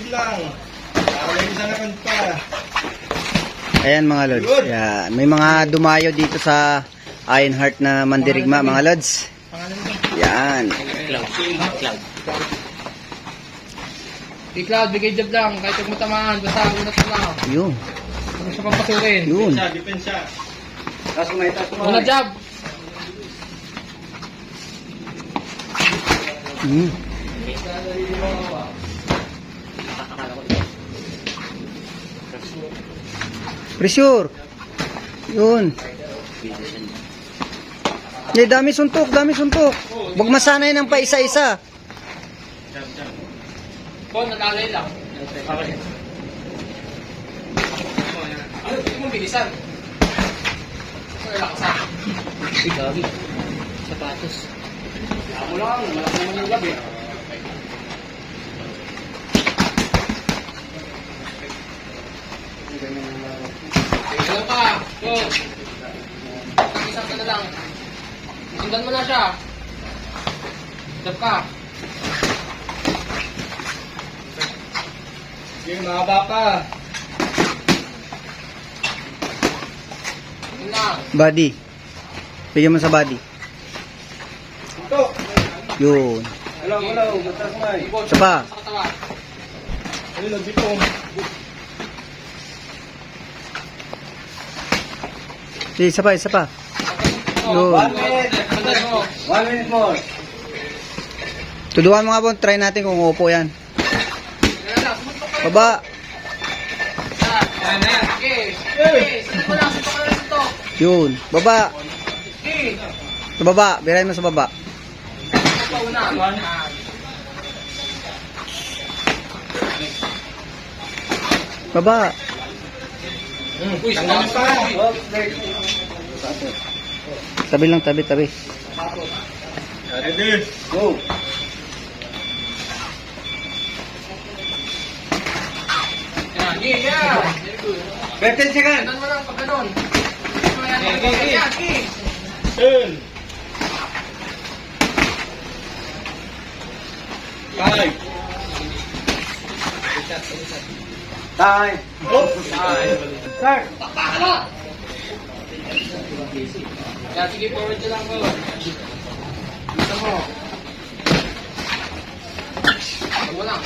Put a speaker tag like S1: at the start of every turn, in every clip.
S1: lang. Para may isang naman pa.
S2: Ayan mga lods. Ayan. May mga dumayo dito sa Ironheart na mandirigma mga lods. Yan.
S3: Cloud, bigay job lang. Kahit huwag matamaan, basta unat na lang.
S2: Yun.
S3: Huwag siya pampasukin.
S2: Yun.
S1: Depensa.
S3: Unat job.
S2: Hmm. Pressure. Yun. Dami suntok, dami suntok. Huwag masanay ng pa isa-isa.
S3: Bon, nalalay lang. Ano, hindi mo bilisan. Ano, lakasan.
S4: Uy, gagi. Sapatos.
S3: Kaya mo lang, malaki naman yung labi. Ikaw pa, go. Isang ka na lang. Sundan mo na siya. Stop ka.
S1: Yung mahaba pa.
S3: Yun lang.
S2: Body. Bigyan mo sa body.
S1: Ito.
S2: Yun.
S1: Hello. Matas mo ay.
S2: Isa pa.
S3: Sa katawan.
S1: Ayun, nagbitong.
S2: Isa pa, isa pa. Yun.
S1: 1 minute. 1 minute more.
S2: Tuduan mo nga po. Try natin kung upo yan. Baba. Yun. Baba. Sa baba. Birahin mo sa baba. Baba.
S1: Tanggalin pa.
S2: Tabi lang, tabi.
S1: Ready. Go.
S3: Yeah.
S1: 15 seconds.
S3: Ganun mo lang pag ganun. Yan.
S1: 10. 5. Time. Start.
S3: Yan, sige, forward nyo lang ko. Gusto mo. Huwag mo lang.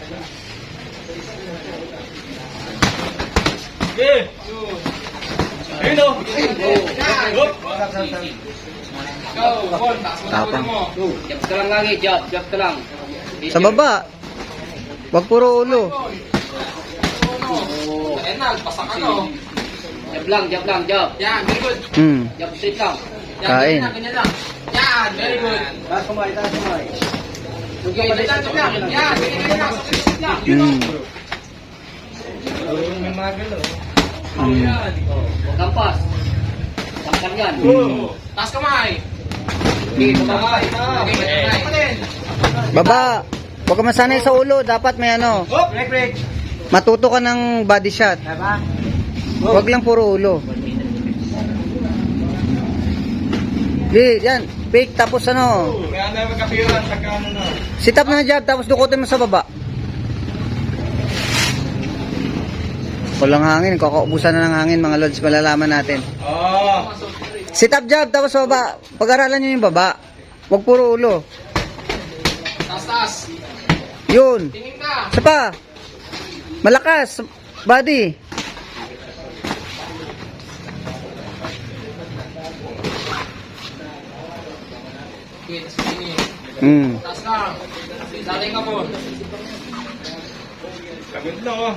S1: Okay. Ayun o.
S3: Go, Bon. Taas mo na ulo mo.
S4: Jab ka lang lagi, jab ka lang.
S2: Sa baba. Wag puro ulo.
S3: Ayan na, pasak ano.
S4: Jab lang.
S3: Yan, very good.
S4: Jab straight lang.
S2: Kain.
S3: Ganyan lang. Yan, very good.
S1: Taas kumay.
S3: Okay, ganyan lang. Yan, ganyan lang. Sit lang. Yun o.
S1: May magalo.
S4: Kampas. Kampan yan.
S3: Taas kamay.
S4: Okay, baba.
S3: Okay, taas pa din.
S2: Baba. Huwag ka masanay sa ulo. Dapat may ano.
S1: Hop, break.
S2: Matuto ka ng body shot.
S1: Diba?
S2: Huwag lang puro ulo. Yan. Fake tapos ano.
S1: Kaya na magkapiran. Pagka ano na.
S2: Sit up na jab tapos dukutin mo sa baba. Walang hangin. Kakaubusan na ng hangin mga lods. Malalaman natin.
S1: Oh.
S2: Sit up jab tapos sa baba. Pag-aralan nyo yung baba. Huwag puro ulo.
S3: Taas.
S2: Yun.
S3: Tingin ka.
S2: Isa pa. Malakas. Body.
S3: Okay, taas tingin. Taas lang. Dating ka po.
S1: Kabit na oh.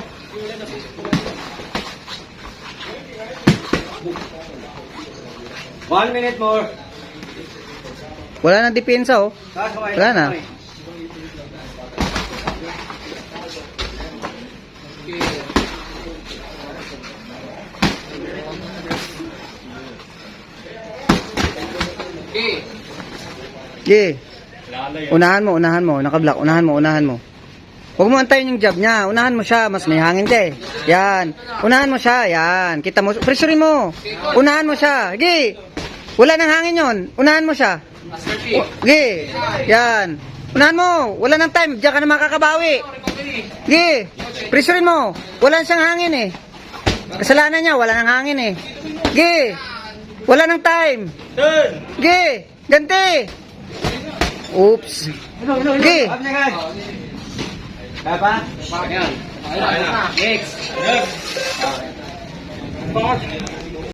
S1: One minute more.
S2: Wala na depensa oh. Wala na.
S3: Okay.
S2: Okay. Unahan mo. Nakablock. Unahan mo. Huwag mo antayin yung jab niya. Unahan mo siya. Mas may hangin ka eh. Yan. Unahan mo siya. Yan. Kita mo. Pressurein mo. Unahan mo siya. Sige. Wala nang hangin yon. Unahan mo siya.
S3: Master P.
S2: Sige. Yan. Unahan mo. Wala nang time. Diyan ka na makakabawi. Sige. Pressurein mo. Wala siyang hangin eh. Kasalanan niya, wala nang hangin eh. Sige. Wala nang time.
S1: Turn!
S2: Sige. Ganti. Oops. Sige.
S4: Ayan.
S3: Ayun na.
S4: Next.
S1: Next!